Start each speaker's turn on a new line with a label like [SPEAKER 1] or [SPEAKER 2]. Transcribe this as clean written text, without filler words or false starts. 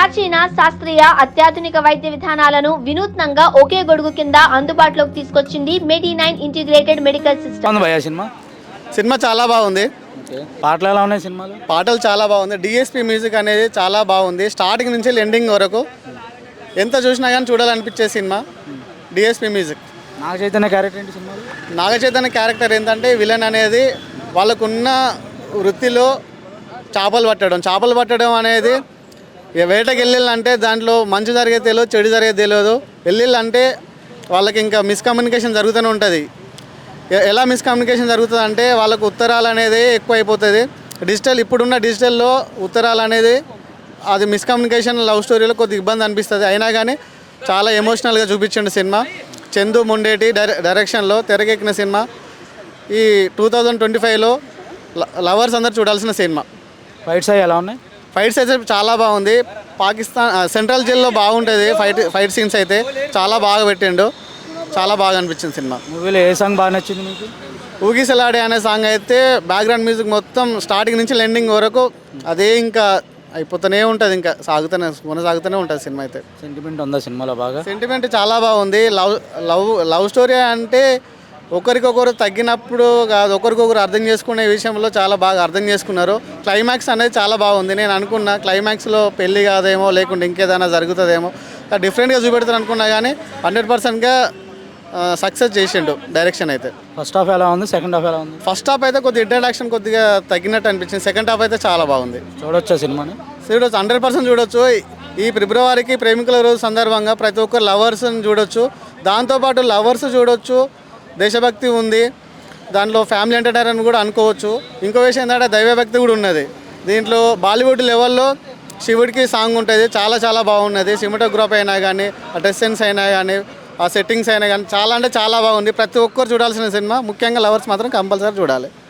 [SPEAKER 1] ప్రాచీన శాస్త్రీయ అత్యాధునిక వైద్య విధానాలను వినూత్నంగా ఒకే గొడుగు కింద అందుబాటులోకి తీసుకొచ్చింది మెడి9 integrated medical system.
[SPEAKER 2] Cinema
[SPEAKER 3] cinema చాలా బాగుంది.
[SPEAKER 2] పాటలు ఎలా ఉన్నాయి సినిమాలో?
[SPEAKER 3] పాటలు చాలా బాగుంది. డిఎస్పి మ్యూజిక్ అనేది చాలా బాగుంది. స్టార్టింగ్ నుంచి ఎండింగ్ వరకు ఎంత చూసినా కానీ చూడాలనిపించే cinema DSP music.
[SPEAKER 2] Naga Chaitanya character ఏంటి సినిమాలో?
[SPEAKER 3] నాగ చైతన్య క్యారెక్టర్ ఏంటంటే విలన్ అనేది వాళ్ళకున్న వృత్తిలో చేపలు పట్టడం అనేది వేటకి వెళ్ళాలంటే దాంట్లో మంచి జరిగేది తెలియదు, చెడు జరిగేది తెలియదు. వెళ్ళాలంటే వాళ్ళకి ఇంకా మిస్కమ్యూనికేషన్ జరుగుతూనే ఉంటుంది. ఎలా మిస్కమ్యూనికేషన్ జరుగుతుంది అంటే వాళ్ళకు ఉత్తరాలు అనేది ఎక్కువ అయిపోతుంది. ఇప్పుడున్న డిజిటల్లో ఉత్తరాలు అనేది అది మిస్కమ్యూనికేషన్ లవ్ స్టోరీలో కొద్దిగా ఇబ్బంది అనిపిస్తుంది. అయినా కానీ చాలా ఎమోషనల్గా చూపించిండు సినిమా. చందు మొండేటి డైరెక్షన్లో తెరకెక్కిన సినిమా. ఈ 2025లో లవర్స్ అందరు చూడాల్సిన సినిమా.
[SPEAKER 2] ఫైట్స్ అవి ఎలా ఉన్నాయి?
[SPEAKER 3] ఫైట్స్ అయితే చాలా బాగుంది. పాకిస్తాన్ సెంట్రల్ జైల్లో బాగుంటుంది. ఫైట్ సీన్స్ అయితే చాలా బాగా పెట్టిండు. చాలా బాగా అనిపించింది సినిమా.
[SPEAKER 2] మూవీలో ఏ సాంగ్ బాగా నచ్చింది మీకు?
[SPEAKER 3] ఊగిసలాడే అనే సాంగ్ అయితే బ్యాక్గ్రౌండ్ మ్యూజిక్ మొత్తం స్టార్టింగ్ నుంచి ఎండింగ్ వరకు అదే ఇంకా అయిపోతూనే ఉంటుంది, ఇంకా కొనసాగుతూనే ఉంటుంది సినిమా అయితే.
[SPEAKER 2] సెంటిమెంట్ ఉందా సినిమాలో? బాగా సెంటిమెంట్
[SPEAKER 3] చాలా బాగుంది. లవ్ స్టోరీ అంటే ఒకరికొకరు తగ్గినప్పుడు కాదు, ఒకరికొకరు అర్థం చేసుకునే విషయంలో చాలా బాగా అర్థం చేసుకున్నారు. క్లైమాక్స్ అనేది చాలా బాగుంది. నేను అనుకున్నా క్లైమాక్స్లో పెళ్ళి కాదేమో, లేకుంటే ఇంకేదైనా జరుగుతుందేమో, డిఫరెంట్గా చూపెడతాను అనుకున్నా కానీ 100%గా సక్సెస్ చేసిండు డైరెక్షన్ అయితే.
[SPEAKER 2] ఫస్ట్ హాఫ్ ఎలా ఉంది? సెకండ్ హాఫ్ ఎలా ఉంది?
[SPEAKER 3] ఫస్ట్ హాఫ్ అయితే కొద్దిగా ఇంట్రడక్షన్ కొద్దిగా తగ్గినట్టు అనిపించింది. సెకండ్ హాఫ్ అయితే చాలా బాగుంది.
[SPEAKER 2] చూడొచ్చా సినిమాని?
[SPEAKER 3] చూడొచ్చు, 100% చూడొచ్చు. ఈ ఫిబ్రవరికి ప్రేమికుల రోజు సందర్భంగా ప్రతి ఒక్కరు లవర్స్ని చూడొచ్చు. దాంతోపాటు లవర్స్ చూడొచ్చు, దేశభక్తి ఉంది దాంట్లో, ఫ్యామిలీ ఎంటర్టైనర్ కూడా అనుకోవచ్చు. ఇంకో విషయం ఏంటంటే దైవభక్తి కూడా ఉన్నది దీంట్లో. బాలీవుడ్ లెవెల్లో శివుడికి సాంగ్ ఉంటుంది, చాలా చాలా బాగున్నది. సినిమాటోగ్రఫీ అయినా కానీ, ఆ డ్రెస్ సెన్స్ అయినా కానీ, ఆ సెట్టింగ్స్ అయినా కానీ చాలా అంటే చాలా బాగుంది. ప్రతి ఒక్కరు చూడాల్సిన సినిమా. ముఖ్యంగా లవర్స్ మాత్రం కంపల్సరీ చూడాలి.